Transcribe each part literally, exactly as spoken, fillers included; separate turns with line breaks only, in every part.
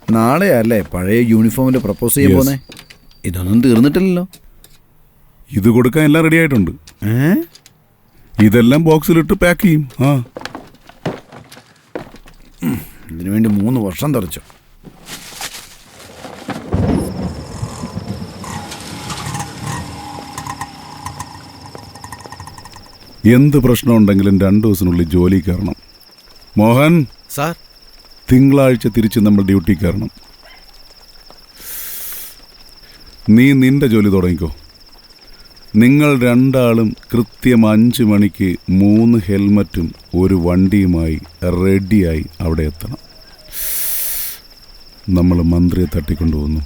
നാളെയല്ലേ പഴയ യൂണിഫോമിൽ പ്രപ്പോസ് ചെയ്യാൻ പോന്നെ? ഇതൊന്നും തീർന്നിട്ടില്ലല്ലോ.
ഇത് കൊടുക്കാൻ എല്ലാം റെഡി ആയിട്ടുണ്ട്. ഇതെല്ലാം ബോക്സിലിട്ട് പാക്ക് ചെയ്യും. ആ
ഇതിനു വേണ്ടി മൂന്ന് വർഷം തറച്ചു.
എന്ത് പ്രശ്നമുണ്ടെങ്കിലും രണ്ടു ദിവസത്തിനുള്ളിൽ ജോലി കയറണം. മോഹൻ
സാർ,
തിങ്കളാഴ്ച തിരിച്ച് നമ്മൾ ഡ്യൂട്ടി കയറണം. നീ നിന്റെ ജോലി തുടങ്ങിക്കോ. നിങ്ങൾ രണ്ടാളും കൃത്യം അഞ്ച് മണിക്ക് മൂന്ന് ഹെൽമറ്റും ഒരു വണ്ടിയുമായി റെഡിയായി അവിടെ എത്തണം. നമ്മൾ മന്ത്രിയെ തട്ടിക്കൊണ്ടുപോകുന്നു.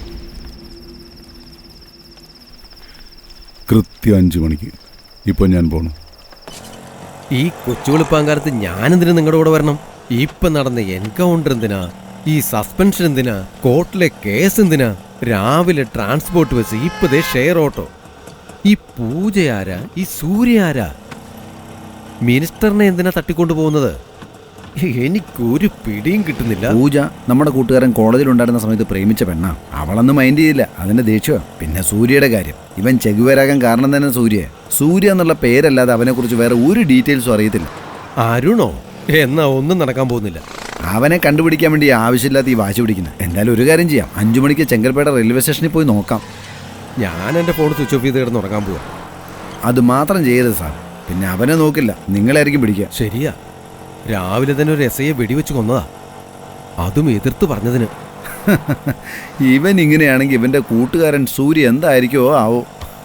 കൃത്യം അഞ്ച് മണിക്ക്. ഇപ്പോൾ ഞാൻ പോണു.
ഈ കൊച്ചുവെളുപ്പാങ്കാലത്ത് ഞാനെന്തിനാ നിങ്ങളുടെ കൂടെ വരണം? ഇപ്പൊ നടന്ന എൻകൗണ്ടർ എന്തിനാ? ഈ സസ്പെൻഷൻ എന്തിനാ? കോർട്ടിലെ കേസ് എന്തിനാ? രാവിലെ ട്രാൻസ്പോർട്ട് ബസ്, ഇപ്പതേ ഷെയർ ഓട്ടോ. ഈ പൂജ ആരാ? ഈ സൂര്യ ആരാ? മിനിസ്റ്ററിനെ എന്തിനാ തട്ടിക്കൊണ്ടു പോകുന്നത്? എനിക്കൊരു പിടിയും കിട്ടുന്നില്ല.
പൂജ നമ്മുടെ കൂട്ടുകാരൻ കോളേജിലുണ്ടായിരുന്ന സമയത്ത് പ്രേമിച്ച പെണ്ണാ. അവളൊന്നും മൈൻഡ് ചെയ്തില്ല. അതിന്റെ ദേഷ്യം. പിന്നെ സൂര്യയുടെ കാര്യം, ഇവൻ ചെകുവേരാകാൻ കാരണം തന്നെ സൂര്യ. സൂര്യ എന്നുള്ള പേരല്ലാതെ അവനെക്കുറിച്ച് വേറെ ഒരു ഡീറ്റെയിൽസും അറിയത്തില്ല.
അരുണോ? എന്നാ ഒന്നും നടക്കാൻ പോകുന്നില്ല.
അവനെ കണ്ടുപിടിക്കാൻ വേണ്ടി ആവശ്യമില്ലാത്ത ഈ വാശി പിടിക്കുന്നത്. എന്തായാലും ഒരു കാര്യം ചെയ്യാം, അഞ്ചു മണിക്ക് ചെങ്കൽപ്പേട്ട റെയിൽവേ സ്റ്റേഷനിൽ പോയി നോക്കാം.
ഞാൻ എൻ്റെ ഫോൺ സ്വിച്ച് ഓഫ് ചെയ്ത് കിടന്ന് ഉറങ്ങാൻ പോവാ.
അത് മാത്രം ചെയ്യരുത് സാർ. പിന്നെ അവനെ നോക്കില്ല, നിങ്ങളായിരിക്കും പിടിക്കുക.
ശരിയാ, രാവിലെ തന്നെ ഒരു എസ് ഐയെ വെടിവെച്ച് കൊന്നതാ, അതും എതിർത്ത് പറഞ്ഞതിന്.
ഇവൻ ഇങ്ങനെയാണെങ്കിൽ ഇവന്റെ കൂട്ടുകാരൻ സൂര്യ എന്തായിരിക്കുമോ ആവോ.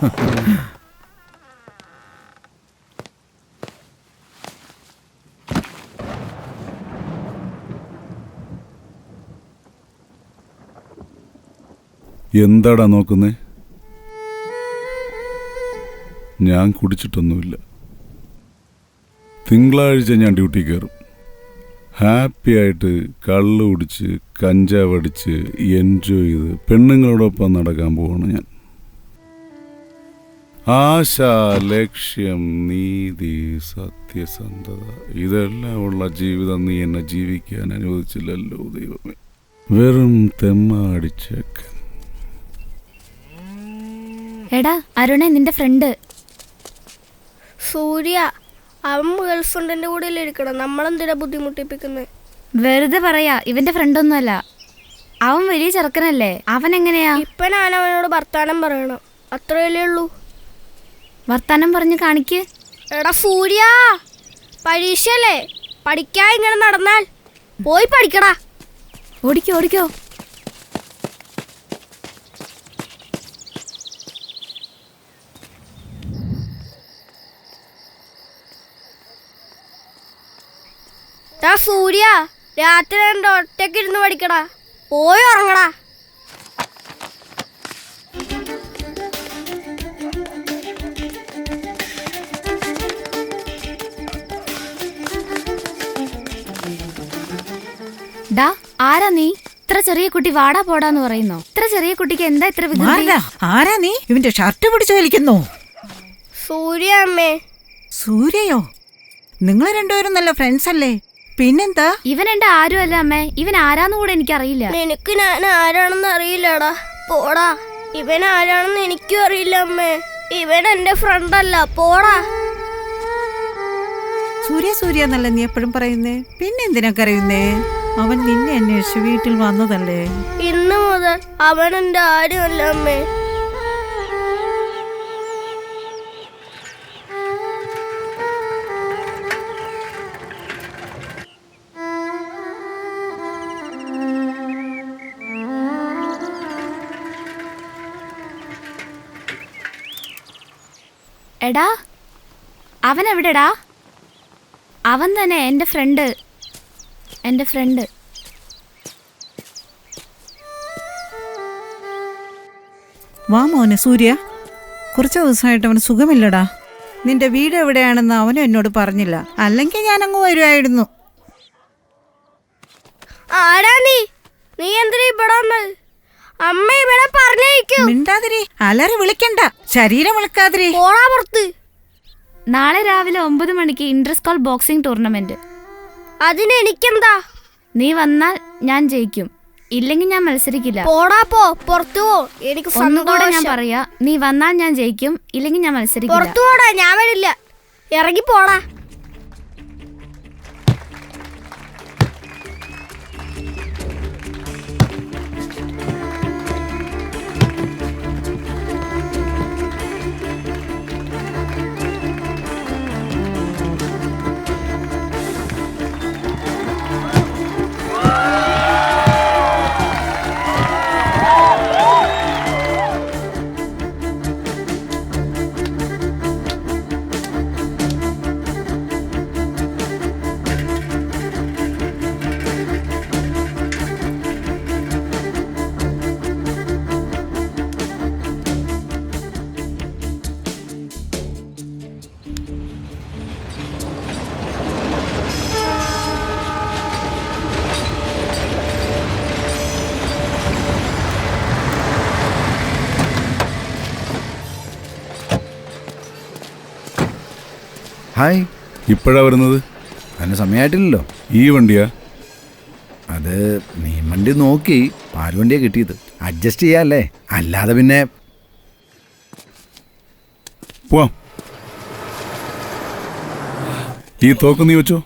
എന്താടാ നോക്കുന്നേ? ഞാൻ കുടിച്ചിട്ടൊന്നുമില്ല. തിങ്കളാഴ്ച ഞാൻ ഡ്യൂട്ടി കയറും. ഹാപ്പി ആയിട്ട് കള്ള് കുടിച്ച് കഞ്ചാവ് അടിച്ച് എൻജോയ് ചെയ്ത് പെണ്ണുങ്ങളോടൊപ്പം നടക്കാൻ പോവാണ് ഞാൻ. ആശ, ലക്ഷ്യം, നീതി, സത്യസന്ധത ഇതെല്ലാം ഉള്ള ജീവിതം നീ എന്നെ ജീവിക്കാൻ അനുവദിച്ചില്ലല്ലോ ദൈവമേ. വെറും തെമ്മാടിച്ചേക്കൻ.
എടാ അരുണേ, നിന്റെ ഫ്രണ്ട്
സൂര്യ. അവൻ ഗേൾഫ്രണ്ടിന്റെ കൂടെ ഇരിക്കണം. നമ്മളെന്തിനാ ബുദ്ധിമുട്ടിപ്പിക്കുന്നത്?
വെറുതെ പറയാ, ഇവന്റെ ഫ്രണ്ടൊന്നുമല്ല. അവൻ വലിയ ചെറുക്കനല്ലേ. അവൻ എങ്ങനെയാ?
ഇപ്പൊ ഞാൻ അവനോട് വർത്താനം പറയണം, അത്രയല്ലേ ഉള്ളൂ.
വർത്താനം പറഞ്ഞ് കാണിക്ക്.
എടാ സൂര്യ, പരീക്ഷയല്ലേ, പഠിക്കാ ഇങ്ങനെ നടന്നാൽ പോയി പഠിക്കടാ.
ഓടിക്കോ ഓടിക്കോ.
എടാ സൂര്യ, രാത്രി രണ്ട് ഒറ്റയ്ക്ക് ഇരുന്ന് പഠിക്കടാ, പോയി ഉറങ്ങടാ.
ഡാ, ആരാ നീ? ഇത്ര ചെറിയ കുട്ടി വാടാ പോടാന്ന് പറയുന്നോ? ഇത്ര ചെറിയ കുട്ടിക്ക് എന്താ ഇത്ര വികൃതി?
ആരാ നീ? ഇവന്റെ ഷർട്ട് പിടിച്ചു വലിക്കുന്നു.
സൂര്യ അമ്മേ.
സൂര്യയോ? നിങ്ങൾ രണ്ടുപേരും നല്ല ഫ്രണ്ട്സ് അല്ലേ? പിന്നെന്താ?
ഇവൻ എന്റെ ആരും അല്ല അമ്മേ. ഇവൻ ആരാന്ന് കൂടെ എനിക്കറിയില്ല.
നിനക്ക് ഞാൻ ആരാണെന്ന് അറിയില്ലടാ, പോടാ. ഇവൻ ആരാണെന്ന് എനിക്കും അറിയില്ല അമ്മേ. ഇവൻ എന്റെ ഫ്രണ്ട് അല്ല, പോടാ.
സൂര്യ സൂര്യ എന്നല്ല നീ എപ്പോഴും പറയുന്നേ, പിന്നെ എന്തിനാ കരയുന്നേ? അവൻ നിന്നെ അന്വേഷിച്ച് വീട്ടിൽ വന്നതല്ലേ?
ഇന്ന് മുതൽ അവൻ എന്റെ ആരും അല്ല അമ്മേ.
എടാ, അവൻ എവിടെടാ? അവൻ തന്നെ എൻ്റെ ഫ്രണ്ട്. എൻ്റെ ഫ്രണ്ട്.
വാ മോനെ സൂര്യ. കുറച്ച് ദിവസമായിട്ട് അവന് സുഖമില്ലടാ. നിന്റെ വീട് എവിടെയാണെന്ന് അവനും എന്നോട് പറഞ്ഞില്ല, അല്ലെങ്കിൽ ഞാൻ അങ്ങ് വരുമായിരുന്നു.
ആരാ നീ? നീ എന്തിനാ ഇവിടെ വന്നത്? അമ്മ ഇവിടെ പറഞ്ഞേക്കും.
മിണ്ടാതിരി, അലറി വിളിക്കണ്ട, ശരീരം വിളിക്കാതിരി.
പോടാ പുറത്ത്.
നാളെ രാവിലെ ഒമ്പത് മണിക്ക് ഇന്റർ സ്കൂൾ ബോക്സിംഗ് ടൂർണമെന്റ്.
അതിന് എനിക്കെന്താ?
നീ വന്നാൽ ഞാൻ ജയിക്കും. ഇല്ലെങ്കിൽ ഞാൻ മത്സരിക്കില്ല.
പോടാ പോ, പുറത്തു പോ. എനിക്ക്
ഒന്നുകൂടെ ഞാൻ
സന്തോഷം.
പറയാ, നീ വന്നാൽ ഞാൻ ജയിക്കും, ഇല്ലെങ്കിൽ ഞാൻ മത്സരിക്കില്ല.
പുറത്തു പോടാ, ഞാൻ വരില്ല. ഇറങ്ങി പോടാ.
ഹായ്.
ഇപ്പോഴാ വരുന്നത്?
അതിന് സമയമായിട്ടില്ലല്ലോ.
ഈ വണ്ടിയാ?
അത് നീ വണ്ടി നോക്കി പാൽവണ്ടിയാ കിട്ടിയത്. അഡ്ജസ്റ്റ് ചെയ്യാല്ലേ, അല്ലാതെ പിന്നെ.
പോവാം. ഈ തോക്ക് നീ വെച്ചോ.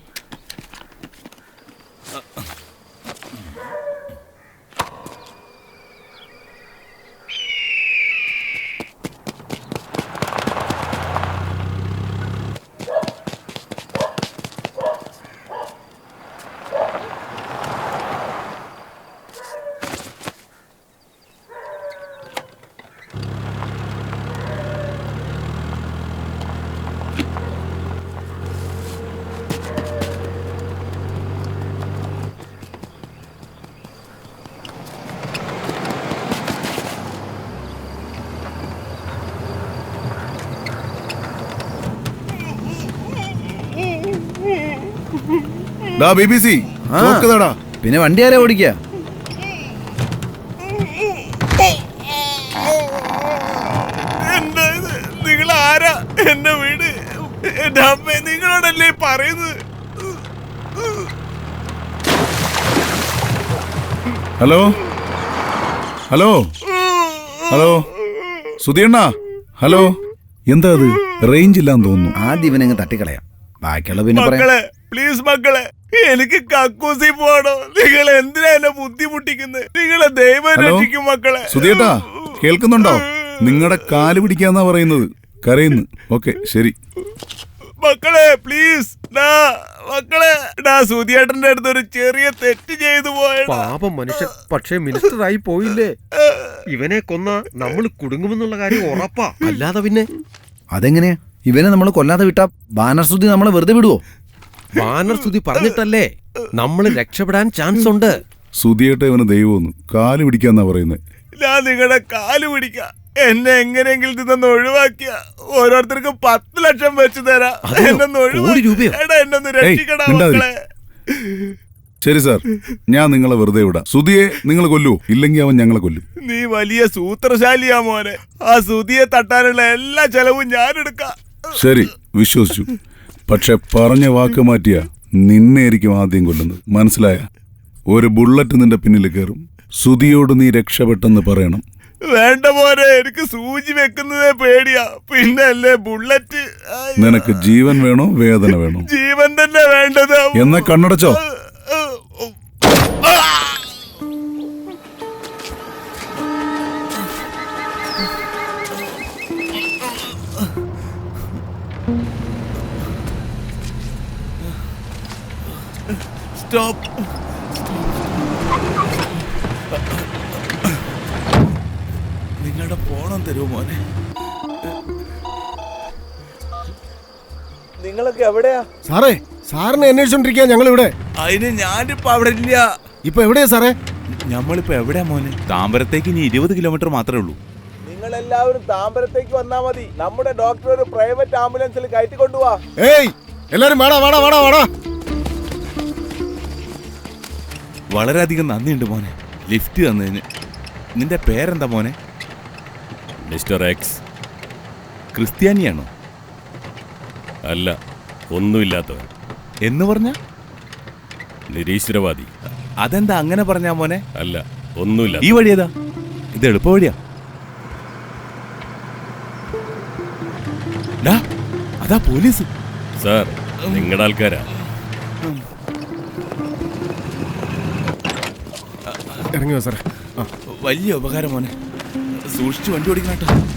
ഡാ ബി ബി സി,
ആ.
തോക്കതാടാ.
പിന്നെ വണ്ടി ആരാ ഓടിക്കുക?
നിങ്ങൾ ആരാ? എന്റെ വീട്, എന്റെ അമ്മ നിങ്ങളോടല്ലേ പറയുന്നത്?
ഹലോ ഹലോ ഹലോ സുധിയണ്ണ, ഹലോ. എന്താ അത്? റേഞ്ച് ഇല്ലാന്ന് തോന്നുന്നു.
ആദ്യം ഇവനങ്ങ് തട്ടിക്കളയാം, ബാക്കിയുള്ള പിന്നെ പറയാം.
മക്കളെ പ്ലീസ് മക്കളെ, എനിക്ക് കക്കൂസി പോണോ? നിങ്ങൾ എന്തിനാ എന്നെ ബുദ്ധിമുട്ടിക്കുന്നത്? നിങ്ങളെ ദൈവം
ഹലോ
രക്ഷിക്കും മക്കളെ.
സുധിയേട്ടാ, കേൾക്കുന്നുണ്ടോ? നിങ്ങളുടെ കാല് പിടിക്കാന്നാ പറയുന്നത്. കരയുന്നു. ഓക്കെ, ശരി.
മക്കളെ പ്ലീസ്, മക്കളെ, സുധിയേട്ടന്റെ അടുത്ത് ഒരു ചെറിയ തെറ്റ് ചെയ്തു പോയ
പാപം മനുഷ്യൻ, പക്ഷേ മിനിസ്റ്റർ ആയി പോയില്ലേ. ഇവനെ കൊന്ന നമ്മൾ കുടുങ്ങുമെന്നുള്ള കാര്യം ഉറപ്പാ. അല്ലാതെ പിന്നെ
അതെങ്ങനെയാ? ഇവനെ നമ്മൾ കൊല്ലാതെ വിട്ടാ ബാനർ സുധി നമ്മളെ വെറുതെ വിടുവോ?
ബാനർ സ്തുതി പറഞ്ഞിട്ടല്ലേ നമ്മൾ രക്ഷപ്പെടാൻ ചാൻസ് ഉണ്ട്.
സുധിയേട്ട ഇവന് ദൈവമൊന്നു കാല് പിടിക്കാന്നാ പറയുന്നത്.
ഞാൻ നിങ്ങളുടെ കാല് പിടിക്ക, എന്നെ എങ്ങനെയെങ്കിലും ഇതൊന്ന് ഒഴിവാക്കിയ ഓരോരുത്തർക്ക് പത്ത് ലക്ഷം വെച്ച് തരാം.
അതെയോ?
എന്നൊന്ന്
കോടി
ഒഴിവാക്കി
രൂപയോ?
എടാ, എന്നൊന്ന്
ഏയ്,
രക്ഷിക്കടാ
മിണ്ടാതിരി.
മക്കളെ.
ശരി സാർ, ഞാൻ നിങ്ങളെ വെറുതെ വിടാം. സുധിയെ നിങ്ങൾ കൊല്ലുവോ? ഇല്ലെങ്കിൽ അവൻ ഞങ്ങളെ കൊല്ലും.
നീ വലിയ സൂത്രശാലിയാ മോനെ. ആ സുധിയെ തട്ടാനുള്ള എല്ലാ ചെലവും ഞാൻ എടുക്കാം.
ശരി, വിശ്വസിച്ചു. പക്ഷെ പറഞ്ഞ വാക്ക് മാറ്റിയ നിന്നെയായിരിക്കും ആദ്യം കൊല്ലുന്നത്. മനസ്സിലായ? ഒരു ബുള്ളറ്റ് നിന്റെ പിന്നിൽ കയറും. സുധിയോട് നീ രക്ഷപ്പെട്ടെന്ന് പറയണം.
വേണ്ട മോനെ, എനിക്ക് സൂചി വെക്കുന്നതേ പേടിയാ, പിന്നെ അല്ലേ ബുള്ളറ്റ്. അയ്യോ.
നിനക്ക് ജീവൻ വേണോ വേദന വേണോ?
ജീവൻ തന്നെ വേണ്ടത്.
എന്നാ കണ്ണടച്ചോ.
സ്റ്റോപ്പ്. നിങ്ങളുടെ ഫോണം തരുമോ മോനെ? നിങ്ങളൊക്കെ എവിടെയാ?
സാറേ, സാറിനെ അന്വേഷിച്ചോണ്ടിരിക്കുക ഞങ്ങൾ ഇവിടെ.
അതിന് ഞാനിപ്പോ അവിടെ ഇല്ല.
ഇപ്പൊ എവിടെയാ സാറേ?
നമ്മളിപ്പോ എവിടെയാ മോനെ? താമ്പരത്തേക്ക് ഇനി ഇരുപത് കിലോമീറ്റർ മാത്രമേ ഉള്ളൂ. നിങ്ങൾ എല്ലാവരും താമ്പരത്തേക്ക് വന്നാ മതി. നമ്മുടെ ഡോക്ടർ ഒരു പ്രൈവറ്റ് ആംബുലൻസിൽ കയറ്റി കൊണ്ടുപോവാ.
ഏയ്, എല്ലാരും വാടാ വാടാ വാടാ വാടാ.
വളരെയധികം നന്ദിയുണ്ട് മോനെ, ലിഫ്റ്റ് തന്നതിന്. നിന്റെ പേരെന്താ മോനെ?
Mister X.
ക്രിസ്ത്യാനിയാണോ?
അല്ല, ഒന്നുമില്ലാത്തവൻ.
എന്ന് പറഞ്ഞ
നിരീശ്വരവാദി.
അതെന്താ അങ്ങനെ പറഞ്ഞാ മോനെ?
അല്ല, ഒന്നുമില്ല.
ഈ വഴി ഏതാ? ഇത് എളുപ്പ വഴിയാ. ഡാ, അതാ പോലീസ്.
സാർ, നിങ്ങളുടെ ആൾക്കാരാ.
ഇറങ്ങിയോ സാറേ?
വലിയ ഉപകാരം മോനെ. സൂക്ഷിച്ച് വണ്ടി ഓടിക്കണം കേട്ടോ.